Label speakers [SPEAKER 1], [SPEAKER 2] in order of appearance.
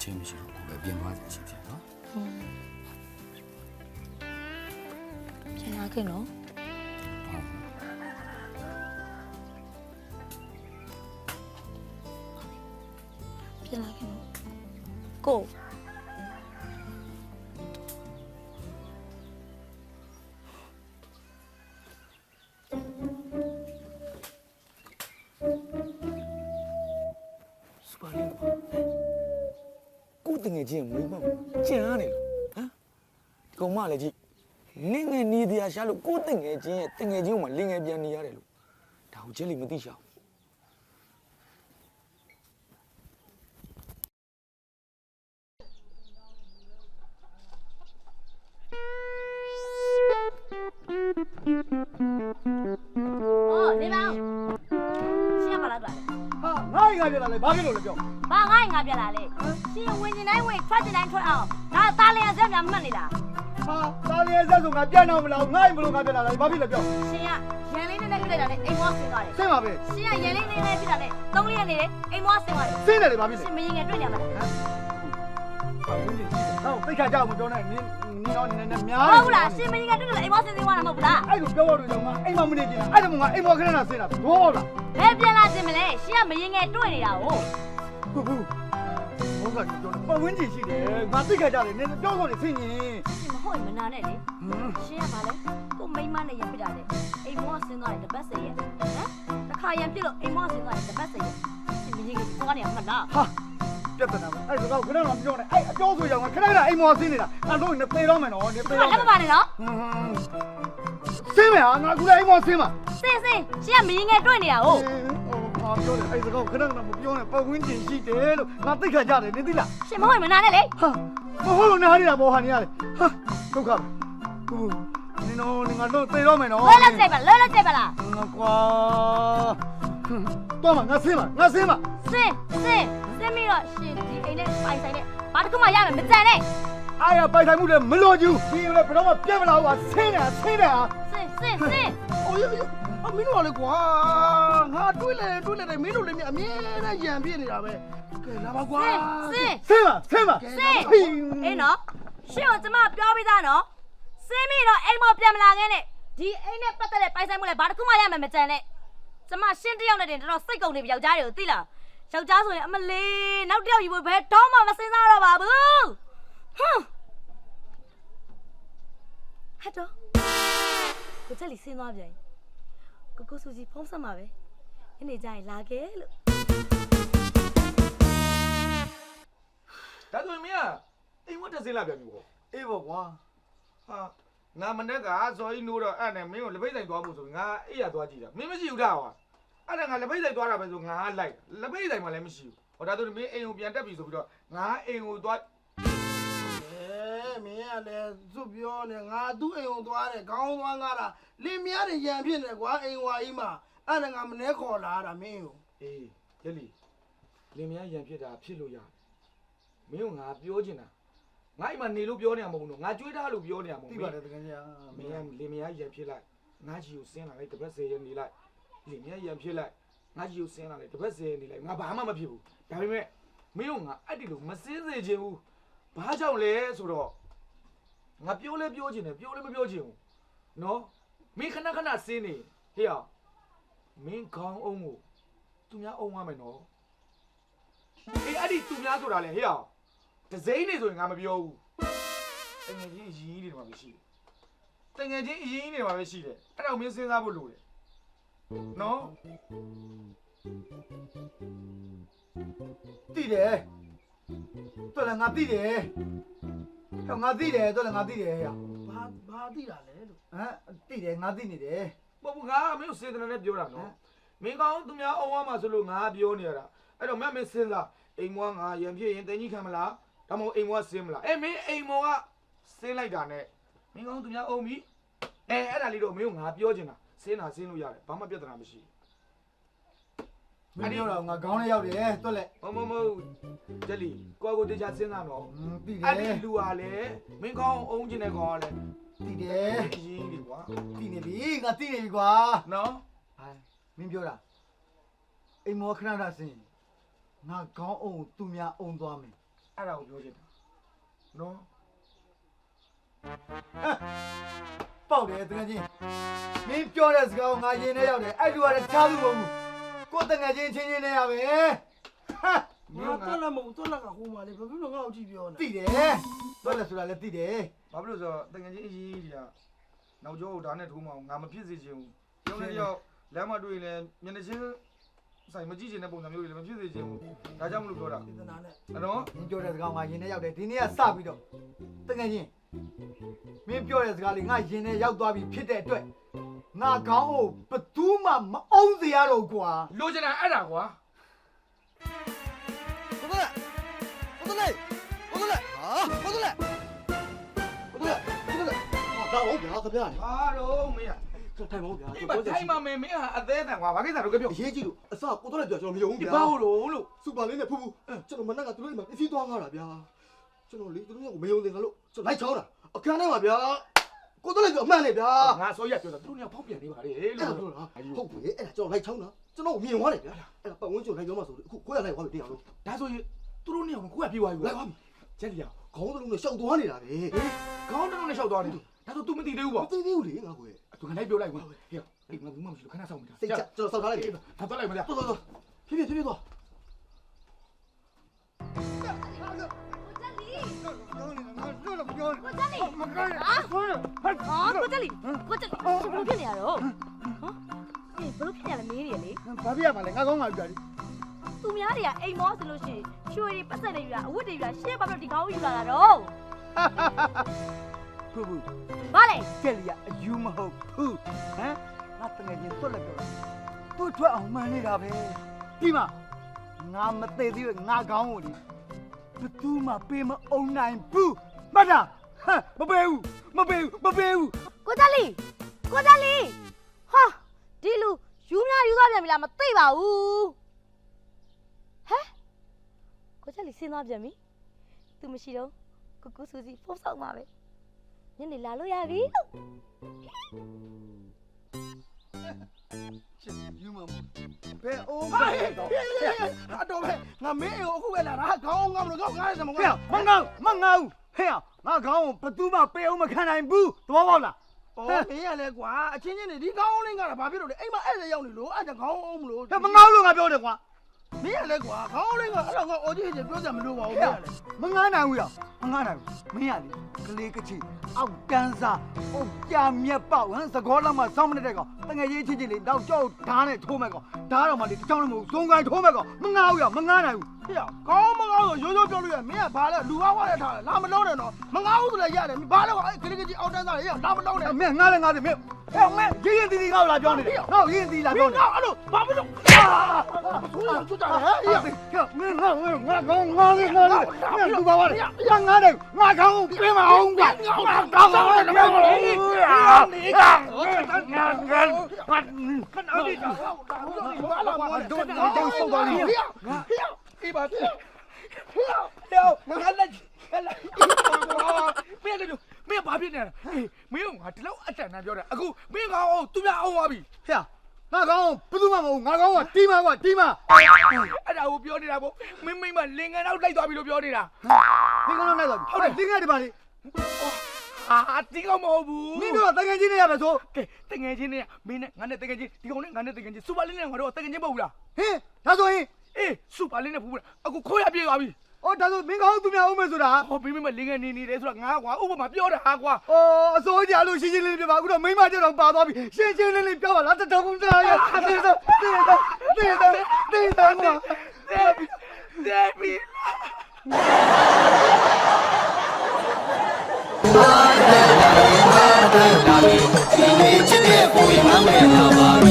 [SPEAKER 1] ချင်းမရှိတော့ဘူးပဲပြင်သွားတယ်ချင်းချင်းနော်
[SPEAKER 2] ပြန်လာခဲ့နော်ပြန်လာခဲ့နော်ကို
[SPEAKER 1] တငယ်ချင်းမွေးမောက်ကျန်ရတယ်ဟမ်ကောင်မလည်းကြည့်လင်းငယ်နေတရားရှာလို့ကိုတငယ်ချင်းရဲ့တငယ်ချင်းကမှလင်းငယ်ပြန်နေရတယ်လို့ဒါကိုကျဲလီမသိရှာ
[SPEAKER 2] ဘူးနေပါဦးရှင်းပါလားကွာ
[SPEAKER 3] ဟာငါ့ငါပြလာလေဘာဖြစ်လို့လဲပြော
[SPEAKER 2] ဘာငါ့ငါပြလာလေရှင်ဝင်နေတိုင်းဝင်ထွက်နေတိုင်းထွက်အောင်ဒါသားလျက်ဆက်များမှတ်နေလား
[SPEAKER 3] ဟာသားလေးဆက်ဆိုငါပြန်တော့မလားငါ့ဘလို့ငါပြလာလေဘာဖြစ်လဲပြော
[SPEAKER 2] ရှင်ကရန်လေးနဲ့ဖြစ်လိုက်တာနဲ့အိမ်မွားဆင်းသွားတယ်
[SPEAKER 3] ဆင်းပါပဲ
[SPEAKER 2] ရှင်ကရန်လေးနဲ့ဖြစ်တာနဲ့သုံးလေးရက်နေတယ်အိမ်မွားဆင်းသွားတယ်
[SPEAKER 3] ဆင်းတယ်လေဘာဖြစ်လဲ
[SPEAKER 2] ရှင်မရင်ငယ်တွေ့နေမှာလား
[SPEAKER 3] ဟမ်ဟောသိခါကြောက်မပြောနဲ့နင်းတော့နည်းနည်းများ
[SPEAKER 2] ဟုတ်လားရှင်မရင်ငယ်တွေ့တယ်အိမ်မွားဆင်းသွားတာမဟုတ်ဘူးလား
[SPEAKER 3] အဲ့လိုပြောလို့တော့ငါအိမ်မမနေကြည့်အဲ့ဒါမှငါအိမ်မခဏနာဆင်းတာဘောလား
[SPEAKER 2] ဘယ်ပြန်လာခြင်းမလဲရှင်ကမရင်ငယ်တွေ့နေတာဟုတ်
[SPEAKER 3] ဟုတ်ဘောကပြောတယ်ပတ်ဝန်းကျင်ရှိတယ်ငါသိခါကြတယ်နင်းပြောဆိုနေဆင်းရင်
[SPEAKER 2] ရှင်မဟုတ်မနာနဲ့လေရှင်ကဘာလဲကိုမိမနဲ့ရဖြစ်တာလေအိမ်မွားဆင်းသွားတယ်တပတ်စေရဲ့ဟမ်တခါရံပြစ်လို့အိမ်မွားဆင်းသွားတယ်တပတ်စေရဲ့ရှင်မရင်ငယ်သွားနေမှာလား
[SPEAKER 3] ဟာပြတ်တယ်နော်အဲ့ဒါကခဏတော့ပြောနေအဲ့အကျော်ဆိုရောငါခဏခဏအိမ်မော်ဆင်းနေတာအဲ့တော့နေပေတော့မယ်နော်နေပေတော့
[SPEAKER 2] လက်မပါနဲ့နော်
[SPEAKER 3] ဆင်းမယ်ဟာငါကူလည်းအိမ်မော်ဆင်းမှာ
[SPEAKER 2] ဆင်းရှင်ကမရင်ငယ်တွေ့နေတာဟုတ်
[SPEAKER 3] ဟာပြောတယ်အဲ့ဒါကခဏခဏမပြောနဲ့ပတ်ဝန်းကျင်ရှိတယ်လို့ငါသိခါကြတယ်နေသိလား
[SPEAKER 2] ရှင်မဟုတ်မနာနဲ့လေ
[SPEAKER 3] ဟာမဟုတ်လို့နားနေတာဘောဟာနေရတယ်ဟာဒုက္ခဘူးနင်တို့ငါတော့ပေတော့မယ်နော်
[SPEAKER 2] လွယ်ကြိုက်ပါလား
[SPEAKER 3] ကွာတော့ငါဆင်းမှာ
[SPEAKER 2] ဆင်းပြီးတော့ရှင်ဒီအိမ်နဲ့ပိုင်ဆိုင်နဲ့ဘာတစ်ခုမှရမယ်မကြံနဲ့
[SPEAKER 3] အားရပိုင်ဆိုင်မှုလည်းမလိုချင်ဘူးဒီလည်းဘယ်တော့မှပြတ်မလာဘူးဟာဆင်းတာ
[SPEAKER 2] ဆင်း
[SPEAKER 3] အိုးအမင်းတို့ကလေကွာငါတွေးလေမင်းတို့လည်းအမြဲတမ်းရံပြစ်နေတာပဲကဲလာပါကွာဆင်းပါ
[SPEAKER 2] အေးနော်ရှင်ကကျမပြောပြီးသားနော်ဆင်းပြီးတော့အိမ်မပြန်မလာခဲ့နဲ့ဒီအိမ်နဲ့ပတ်သက်တဲ့ပိုင်ဆိုင်မှုလည်းဘာတစ်ခုမှရမယ်မကြံနဲ့ကျမရှင်းတယောက်နဲ့တင်တော်စိတ်ကုန်နေပြီယောက်ျားတွေကိုသိလားယောက်ျားဆိုရင်အမလေးနောက်တစ်ယောက်ယူဖို့ဘယ်တော့မှမစင်စားတော့ပါဘူးဟမ်ဟတ်တော့ကိုချက်လီဆင်းသွားပြန်ကိုစုကြီးဖုံးဆက်မှာပဲဒီနေ့ကျရင်လာခဲ့လို့
[SPEAKER 1] ဒါဆိုရင်မင်းကအိမ်ဝတ်တက်စင်းလာပြန်ပြီပေါ့
[SPEAKER 3] အေးပေါ့ကွာ
[SPEAKER 1] ဟာငါမနေ့ကဇော်ကြီးနိုးတော့အဲ့နဲ့မင်းကိုလက်ပိတ်ဆိုင်သွားဖို့ဆိုငါအိပ်ရသွားကြည့်တာမင်းမရှိဘူးလားကွာအဲ့ဒါငါလက်ပိတ်ဆိုင်သွားတာပဲဆိုငါလိုက်လက်ပိတ်ဆိုင်မှလည်းမရှိဘူးဟောဒါဆိုမင်းအိမ်ကိုပြန်တက်ပြီဆိုပြီးတော့ငါအိမ်ကိုသွား
[SPEAKER 3] မင်းကလည်းစွတ်ပြောနေငါသူ့အိမ်ကိုသွားတယ်ခေါင်းသွားငါတာလင်းမရတဲ့ရံဖြစ်နေကွာအိမ်ဝါကြီးမှာအဲ့ဒါငါမနေခေါ်လာတာမင်းကို
[SPEAKER 1] အေးရက်လီလင်မယားရံဖြစ်တာဖြစ်လို့ရတယ်မင်းကငါပြောချင်တာငါအိမ်မှာနေလို့ပြောနေရမဟုတ်ဘူးနော်ငါကြွေးထားလို့ပြောနေရမဟုတ်ဘူး
[SPEAKER 3] သိပါတယ်တကယ်ကြီး
[SPEAKER 1] မင်းကလင်မယားရံဖြစ်လိုက်ငါကြီးကိုဆင်းလာလိုက်တစ်ပတ်10ရက်နေလိုက်လင်မယားရံဖြစ်လိုက်ငါကြီးကိုဆင်းလာလိုက်တစ်ပတ်10ရက်နေလိုက်ငါဘာမှမဖြစ်ဘူးဒါပေမဲ့မင်းကငါအဲ့ဒီလိုမစင်းစေချင်ဘူးဘာကြောင့်လဲဆိုတော့ငါပြောလဲပြောချင်တယ်ပြောလဲမပြောချင်ဘူးနော်မင်းခဏခဏဆင်းနေဟေ့အောင်မင်းခေါင်းအောင်ကိုသူများအုံရမယ်နော်အေးအဲ့ဒီသူများဆိုတာလေဟေ့အောင်ဒဇိမ့်နေဆိုရင်ငါမပြောဘူးတငယ်ချင်းအရင်နေတယ်မှာပဲရှိတယ်တငယ်ချင်းအရင်နေတယ်မှာပဲရှိတယ်အဲ့ဒါကိုမင်းစဉ်းစားဖို့လိုတယ်နော်
[SPEAKER 3] သိတယ်တော်လည်းငါသိတယ်ဟောငါသိတယ်တော်လည်းငါသိတယ်ဟဲ့ဘာသိတာလဲလို့ဟမ်သိတယ်ငါသိနေတယ်
[SPEAKER 1] မဟုတ်ဘူးငါမင်းကိုစေတနာနဲ့ပြောတာနော်မင်းကောင်းသူများအုံးရမှာဆိုလို့ငါပြောနေရတာအဲ့တော့မင်းစဉ်းစားအိမ်မွားငါရံပြည့်ရင်တင်ကြီးခံမလားဒါမှမဟုတ်အိမ်မွားဆင်းမလားမင်းအိမ်မော်ကဆင်းလိုက်တာနဲ့မင်းကောင်းသူများအုံးပြီအဲ့ဒါလေးတော့မင်းကငါပြောချင်တာဆင်းတာဆင်းလို့ရတယ်ဘာမှပြဿနာမရှိ
[SPEAKER 3] ဘူးမင်းပြောတော့ငါခေါင်းထဲရောက်တယ်တွက်လက်
[SPEAKER 1] မဂျက်လီကိုတေချာစဉ်းစားတော့
[SPEAKER 3] ပြီးတယ်
[SPEAKER 1] အဲ့ဒီလူဟာလေမင်းကောင်းအုံးကျင်တဲ့ကောင်ကလေ
[SPEAKER 3] ပြီးတယ်
[SPEAKER 1] ရင်းဒီကွာ
[SPEAKER 3] ပြီးနေပြီငါသိနေပြီကွာ
[SPEAKER 1] နော်
[SPEAKER 3] ဟိုင်းမင်းပြောတာအိမ်မောခဏတာစင်ငါခေါင်းအုံသူများအုံသွားမယ်
[SPEAKER 1] အဲ့ဒါကိုပြောချင်တာနော်
[SPEAKER 4] ပေါက်တယ်တကယ်ချင်းမင်းပြောတဲ့စကားကိုငါရင်ထဲရောက်တယ်အဲ့လူကလည်းချားသူမဟုတ်ဘူးကိုတကယ်ချင်းချင်းနဲ့ရပဲဟာ
[SPEAKER 3] ငါတော့လည်းမဟုတ်တော့လည်းကဟိုမှာလေဘာဖြစ်လို့ငါ့ကိုကြည့်ပြောနေ
[SPEAKER 4] သိတယ်တော့လည်းဆိုတာလည်းသိတယ်
[SPEAKER 1] ဘာဖြစ်လို့ဆိုတော့တကယ်ချင်းအရေးကြီးတာနောက်ကျောကိုဒါနဲ့ထိုးမအောင်ငါမဖြစ်စေချင်ဘူးပြောနေကြောက်လမ်းမတွေ့ရင်လည်းမျက်နှာချင်းဆိုင်မကြည့်ချင်တဲ့ပုံစံမျိုးတွေလည်းမဖြစ်စေချင်ဘူးဒါကြောင့်မလို့ပြောတာ
[SPEAKER 3] စေတနာနဲ့
[SPEAKER 1] နော်
[SPEAKER 4] မင်းပြောတဲ့စကားကိုငါရင်ထဲရောက်တယ်ဒီနေ့ကစပြီးတော့တကယ်ချင်းမင်းပြောတဲ့စကားလေးငါရင်ထဲရောက်သွားပြီဖြစ်တဲ့အတွက်ငါခေါင်းကိုဘသူမှမအောင်စေရတော့ကွာ
[SPEAKER 1] လိုချင်တာအဲ့ဒါကွာ
[SPEAKER 4] ကိုတလေဟာကိုတလေတော့ဟုတ်ဗျာခင်ဗျာ
[SPEAKER 1] ဘာတော့မင်း
[SPEAKER 4] ထိုင်ပါဦးဗျာ
[SPEAKER 1] ဒီမှာထိုင်မှာမင်းဟာအသေးအံကွာဘာကိစ္စတော့ပြော
[SPEAKER 4] အရေးကြီးလို့အစကိုတော့လည်းပြောကျွန်တော်မယုံဘူးဗျာ
[SPEAKER 1] ဘာလို့
[SPEAKER 4] စူပါလေးနဲ့ဖူးဖူးကျွန်တော်မနက်ကသူတို့အိမ်မှာပစ္စည်းသွားငါတာဗျာကျွန်တော်လေသူတို့ကမယုံသင်္ကလို့ကျွန်တော်လိုက်ချောင်းတာအခန်းထဲမှာဗျာကိုတော့လည်းပြောအမှန်လေဗျာ
[SPEAKER 1] ငါဆိုရပြောတာသူတို့ကဖောက်ပြန်နေပါလေ
[SPEAKER 4] အဲ့
[SPEAKER 1] လို့
[SPEAKER 4] ဒါပြောတာဟုတ်ပြီအဲ့ဒါကျွန်တော်လိုက်ချောင်းတာကျွန်တော်မြင်သွားတယ်ဗျာအဲ့ဒါပတ်ဝန်းကျင်လိုက်ပြောမှဆိုအခုကိုရလိုက်သွားပြီတရားလို့
[SPEAKER 1] ဒါဆိုရင်သူတို့နေအောင်ကိုကပြေးသွားပြီ
[SPEAKER 4] လိုက်သွားပြီ
[SPEAKER 1] ချက်လျောက်
[SPEAKER 4] ခေါင်းလုံးနဲ့ရှောက်သွားနေတာပဲ
[SPEAKER 1] ခေါင်းတုံးနဲ့လျှောက်သွားတယ်ဒါဆို तू မသိသေးဘူး
[SPEAKER 4] မ
[SPEAKER 1] ပေါ့
[SPEAKER 4] သိသေးဘူးလေငါကို
[SPEAKER 1] သူကလိုက်ပြောလိုက်ကွာဟေ့အိမ်မှာဘူးမှမရှိလို့ခဏဆောင်နေတာ
[SPEAKER 4] စိတ်ချကျွန်တော်စောက်ထားလိုက်ပြီ
[SPEAKER 1] ဒါသွားလိုက်မလား
[SPEAKER 4] တော်တော်ဖြည်းဖြည်းသွား
[SPEAKER 2] ကိုကြလီဟာကိုကြလီဘလို့ဖြစ်နေရတော့ဟမ်ဘလို့ဖြစ်နေရလဲမေးနေရလေ
[SPEAKER 3] ဘာဖြစ်ရမှာလဲငါကောင်းငါပြတယ်
[SPEAKER 2] သူများတွေကအိမ်မောဆိုလို့ရှိရင်ရွှေတွေပတ်သက်နေယူတာအဝတ်တွေယူတာရှေ့ဘာလို့ဒီကောင်းယူလာတာတော့
[SPEAKER 4] ဖူးဖူး
[SPEAKER 2] ဘာလဲ
[SPEAKER 4] ကျက်လီကအယူမဟုတ်ဘူးဟမ်ငါတငယ်ချင်းသွက်လက်ပြောသူ့ထွက်အောင်မှန်းနေတာပဲဒီမှာငါမသိသေးဘူးငါကောင်းကိုလေဘသူမှပေးမအောင်နိုင်ဘူးမှတ်တာဟမ်မပေးဘူးမပေးဘူးမပေးဘူး
[SPEAKER 2] ကိုကြလီဟာဒီလူယူများယူသွားပြန်ပြီလားမသိပါဘူးဟဲ့ကိုကြလီဆင်းသွားပြန်ပြီသူမရှိတော့ကိုကူစူစီဖုန်းဆောင်ပါပဲညနေလာလို့ရပြီလို့
[SPEAKER 4] ယူမမ
[SPEAKER 3] ဘယ်အိုးပဲတော့အတော်ပဲငါမင်းအိမ်ကိုအခုပဲလာတာခေါင်းငါမလို့ကောင်းငါရစမ
[SPEAKER 4] ဟဲ့
[SPEAKER 3] ကောင်း
[SPEAKER 4] မငေါမငေါဟဲ့ငါကောင်းကိုဘသူမှပေးအောင်မခံနိုင်ဘူးသဘောပေါက်လား
[SPEAKER 3] အော်မင်းရလဲကွာအချင်းချင်းနေဒီခေါင်းလေးငါတာဘာဖြစ်လို့လဲအိမ်မှာအဲ့ဒါရောက်နေလို့အဲ့ဒါခေါင်းအောင်မလို့
[SPEAKER 4] ဟဲ့မငေါလို့ငါပြောတယ်ကွာ
[SPEAKER 3] မင်းရလဲကွာခေါင်းလေးငါအဲ့တော့ငါအော်ကြီးကြီးပြောကြမလို့ပါဘူးမင်းရလဲ
[SPEAKER 4] မငားနိုင်ဘူးရမငားနိုင်ဘူးမင်းရလေကလေးကချီအောက်တန်းစားအုတ်ကြမြက်ပေါက်ဟမ်သကောလောက်မှစောင်းမနေတဲ့ကောင်တငယ်ရေးချင်းချင်းလေးတော့ကြောက်ဓာတ်နဲ့ထိုးမဲ့ကောင်ဓာတ်တော့မှလေတချောင်းလည်းမဟုတ်စုံကိုင်းထိုးမဲ့ကောင်မငားဘူးရမငားနိုင်ဘူး
[SPEAKER 3] ဟေ့ခေါင်းမကောင်းဆိုရိုးရိုးပြောလို့ရမင်းကဘာလဲလူဝါတဲ့ထားလာမလုံးနဲ့တော့မငါဘူးဆိုလည်းရတယ်ဘာလဲကွာအဲ့ကလေးကကြီးအောက်တန်းစားရေးလာမလုံးနဲ့
[SPEAKER 4] မင်းငားလည်းငားတယ်မင်းဟဲ့မင်းရင်းတီတီငါ့ကိုလာပြောနေတယ်ငါ့ကိုရင်းတီလာပြောနေ
[SPEAKER 3] ငါအဲ့လိုဘာဖြစ်လို့ဆိုးရကျွတ်တာဟဲ့
[SPEAKER 4] မင်းငါကောင်းငါလေးငါလေးမင်းသူပါပါလေရငားတယ်ငါကောင်းပြေးမအောင်ကွာငါကောင်းကောင်းလည်းပြောနေငါခဏလေးတော့ဆုတ်သွားလိမ့်မယ်
[SPEAKER 1] အေးပါဟေ့ငါလက်မင်းလည်းမင်းဘာဖြစ်နေတာအေးမင်းကငါဒီလောက်အတန်တန်ပြောတာအခုမင်းကောင်အောင်သူများအောင်သွားပြီ
[SPEAKER 4] ဟဲ့ငါကောင်းဘယ်သူမှမဟုတ်ငါကောင်းကတီးမကွာတီးမ
[SPEAKER 1] အဲ့ဒါကိုပြောနေတာပေါ့မင်းမလင်ကန်တော့လိုက်သွားပြီလို့ပြောနေတာ
[SPEAKER 4] ဒီကောင်တော့လိုက်သွားပြီဟုတ်တယ်တင်းငယ်ဒီပါလေ
[SPEAKER 1] ဟာဒီကောင်မဟုတ်ဘူး
[SPEAKER 4] မင်းတို့တငယ်ချင်းနေရပဲဆို
[SPEAKER 1] ကဲတငယ်ချင်းနဲ့မင်းနဲ့ငါနဲ့တငယ်ချင်းဒီကောင်နဲ့ငါနဲ့တငယ်ချင်းစူပါလင်းနဲ့ငါတို့တငယ်ချင်းမဟုတ်ဘူးလား
[SPEAKER 4] ဟင်းဒါဆိုရင်
[SPEAKER 1] အေးစူပါလင်းနဲ့ဖူးဘူးအခုခိုးရပြေးသွားပြီ
[SPEAKER 4] အော်ဒါဆိုမင်းကောင်းသူများအောင်မယ်ဆိုတာ
[SPEAKER 1] ဟောမင်းမလင်ကန်နေတယ်ဆိုတာငါကွာဥပမာပြောတာဟာကွာ
[SPEAKER 4] အော်အစိုးရလို့ရှင်းရှင်းလေးပြပါအခုတော့မိမကျတော့ပါသွားပြီရှင်းရှင်းလေးပြောပါလားတတော်ကုန်သားရတေးတော့ကွာ
[SPEAKER 1] ဒေဘီ
[SPEAKER 5] ဒီနေ့ချစ်တဲ့ပုံရိပ်မှမရပါဘူး